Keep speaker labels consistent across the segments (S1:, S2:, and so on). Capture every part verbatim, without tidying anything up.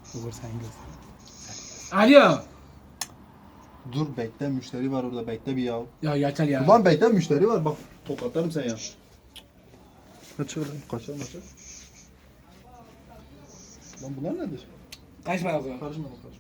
S1: Uğur sen göster.
S2: Alo.
S1: Dur bekle, müşteri var orada, bekle bir ya.
S2: Ya yeter ya.
S1: Ulan bekle, müşteri var bak, tokatlarım sen ya. Kaç öyle? Kaçar kaçar. Lan bunlar nedir?
S2: Kaçma o zaman.
S1: Karışma karışma.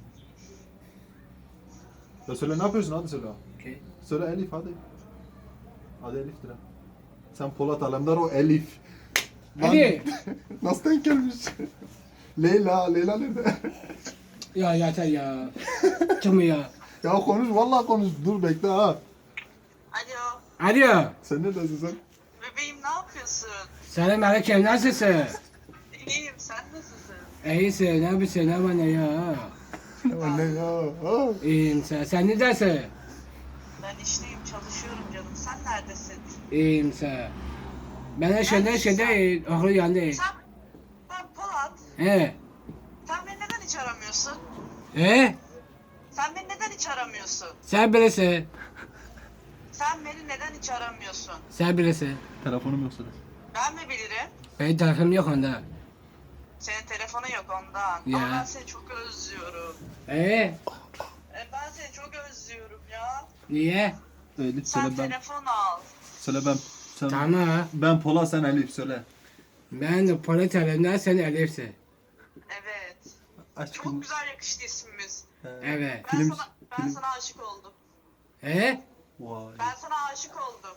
S1: Ya söyle ne yapıyorsun, hadi söyle.
S2: Okey.
S1: Söyle Elif hadi. Hadi Elif'tir ha. Sen Polat Alemdar, o Elif. Lan,
S2: Hadi.
S1: nasıl denk gelmiş? Leyla, Leyla nerede?
S2: Ya yeter ya. Kim ya?
S1: Ya konuş, vallahi konuş. Dur bekle ha.
S3: Alo,
S2: Alo.
S1: Sen neredesin sen?
S3: bebeğim ne yapıyorsun?
S2: Selam aleyküm, nasılsın?
S3: İyiyim, sen nasılsın?
S2: İyisin, ne yapıyorsun, ne bana ya?
S1: Ya ne ya? Ha?
S2: İyiyim sen, sen neredesin?
S3: Ben işteyim, çalışıyorum canım. Sen neredesin?
S2: İyiyim sen. Ben de şeyde şeyde okul yandı.
S3: Sen, ben Polat.
S2: He.
S3: Sen beni neden hiç aramıyorsun?
S2: He?
S3: Sen beni neden hiç aramıyorsun?
S2: Sen bilirsin.
S3: Sen beni neden hiç aramıyorsun?
S2: Sen bilirsin.
S1: Telefonum yoksa da.
S3: Ben mi bilirim?
S2: Benim telefonum yok onda.
S3: Senin telefonun yok ondan.
S2: Ya.
S3: Ama ben seni çok özlüyorum.
S2: Ee?
S3: E, ben seni çok özlüyorum ya.
S2: Niye?
S1: Elif
S3: Sen
S1: söyle ben.
S3: telefon al.
S1: Söyle ben. Sen,
S2: Tamam.
S1: Ben Polat, sen Elif söyle.
S2: Ben de polis elimden sen Elif'sin.
S3: Evet.
S1: Aşkım.
S3: Çok güzel yakıştı ismimiz.
S1: Ee,
S2: Evet.
S3: Ben
S1: Film,
S3: sana, ben
S1: film.
S3: sana aşık oldum.
S2: He?
S1: Vay.
S3: Ben sana aşık oldum.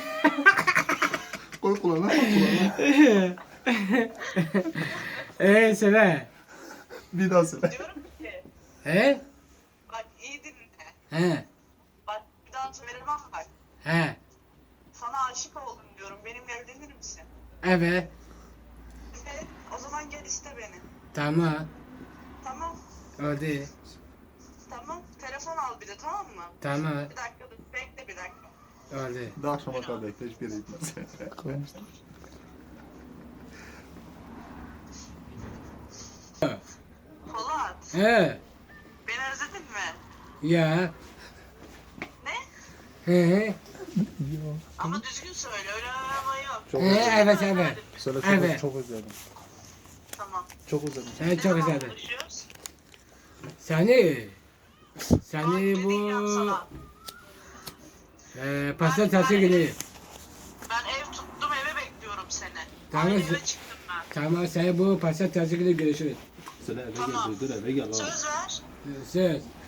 S1: Koy kulağına, koy kulağına.
S2: Ee söyle.
S1: Bir daha söyle.
S3: Diyorum ki,
S2: He?
S3: bak iyi dinle.
S2: He.
S3: Bak bir daha söylemem bak.
S2: He.
S3: Sana aşık oldum diyorum. Benimle evlenir misin?
S2: Evet.
S3: Evet. O zaman gel iste beni.
S2: Tamam.
S3: Tamam.
S2: Oldu.
S3: Tamam. Telefon al bir de, tamam mı?
S2: Tamam.
S3: Bir dakika dur. Bekle bir dakika.
S2: Oldu.
S1: Daha akşama kadar bekle, hiçbir yere gitmez.
S3: Polat.
S2: He.
S3: Beni özledin mi?
S2: Ya.
S3: Ne?
S2: He.
S3: Ama düzgün söyle. Öyle arama yok.
S1: Çok
S2: He, evet evet.
S1: Söyle çok,
S2: Evet.
S1: çok özledim.
S3: Tamam.
S1: Çok özledim.
S2: Seni
S3: Ne
S2: çok
S3: zaman
S2: güzeldi.
S3: buluşuyoruz?
S2: Seni.
S3: Bak,
S2: Seni
S3: ne
S2: bu
S3: diyeceğim sana?
S2: e, pazartesi günü.
S3: Ben ev tuttum, eve bekliyorum seni.
S2: Tamam.
S3: Tamam. Eve çıktım ben.
S2: Tamam seni bu pazartesi günü görüşürüz.
S1: Söyle eve
S3: Tamam.
S1: gel, dur eve gel. ha.
S3: Söz ver.
S2: Söz.